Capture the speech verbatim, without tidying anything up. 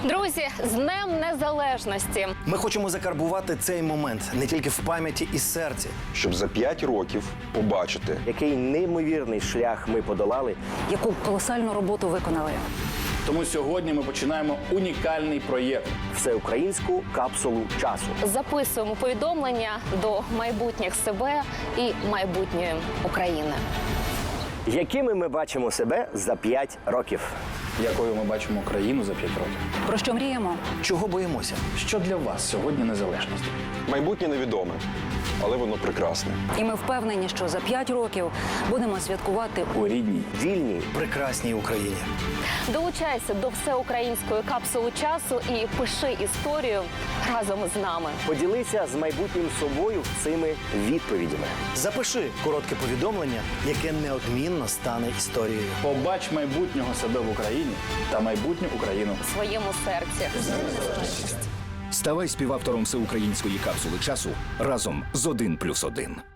Друзі, з Днем Незалежності! Ми хочемо закарбувати цей момент не тільки в пам'яті і серці. Щоб за п'ять років побачити, який неймовірний шлях ми подолали, яку колосальну роботу виконали. Тому сьогодні ми починаємо унікальний проєкт. всеукраїнську капсулу часу. Записуємо повідомлення до майбутніх себе і майбутньої України. Якими ми бачимо себе за п'ять років? Якою ми бачимо Україну за п'ять років. Про що мріємо? Чого боїмося? Що для вас сьогодні незалежність? майбутнє невідоме, але воно прекрасне. І ми впевнені, що за п'ять років будемо святкувати У рідній. Вільній. Прекрасній Україні. Долучайся до всеукраїнської капсули часу і пиши історію разом з нами. Поділися з майбутнім собою цими відповідями. Запиши коротке повідомлення, яке неодмінно стане історією. Побач майбутнього себе в Україні та майбутню Україну. У своєму серці. Ставай співавтором всеукраїнської капсули часу разом з один плюс один.